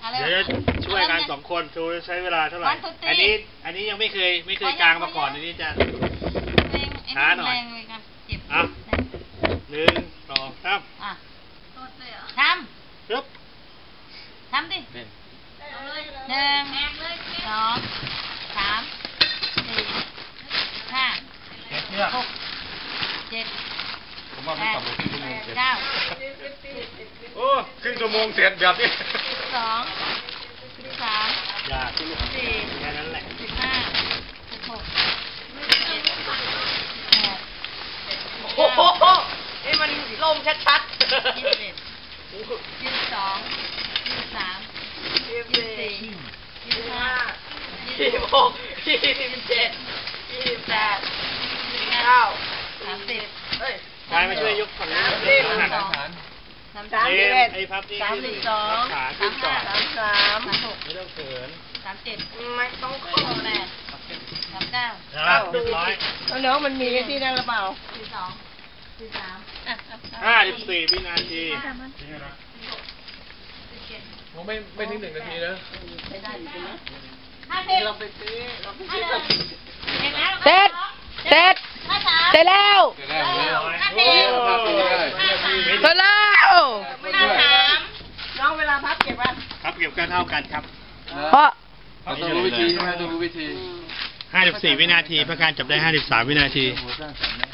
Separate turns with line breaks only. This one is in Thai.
เดี๋ยวจะช่วยกัน2 คนดูใช้เวลาเท่าไหร่อันนี้ยังไม่เคยกลางมาก่อนอันนี้จะช้าหน่อยอ่ะ1 2 3
ทำ
ปึ๊บ
ทำดิ1 2 3 4 5 6 7
ผมว่าไม่ต่ำกว่าครึ่งชั่วโมงเสร็จ
9
โอ้ครึ่งชั่วโมงเสร็จแบบนี้
12 13
อย่าคุณลูกแค่นั้นแหละ
15 16
โอ้โหนี่มันลมชัดๆ
21 22 23 24 25
26 27 28 29
30
เฮ้ย
กายมาช่วยยกฝั่งนี้ไอ้พับนี่
32
ขาขึ้นก่อน
33
36
ไม่ต้องเขิน
37
ไม่ต้องเข้า
38 39
ครับเรียบร้อย
น้องมันมีที่นั่งหรือเปล่า
42 43
54 วินาที
ผมไม่ถึง1 นาทีนะ
50
เราไปซื้อ
เสร็จเสร็จเสร็จแล้ว
เสร็จแล้วเลย
50
โอ้ภาพเป็นได้
เสร็จ
น
แล้ว
้องเวลาพับเก็บอ่ะ
ครับเก็บกันเท่ากันครับ
เพราะ
เราต้องรู้วิธีใช่ไหมต้องรู้วิธี
54 วินาทีประการจับได้ 53 วินาที
หัวสร้างสรรค์นะ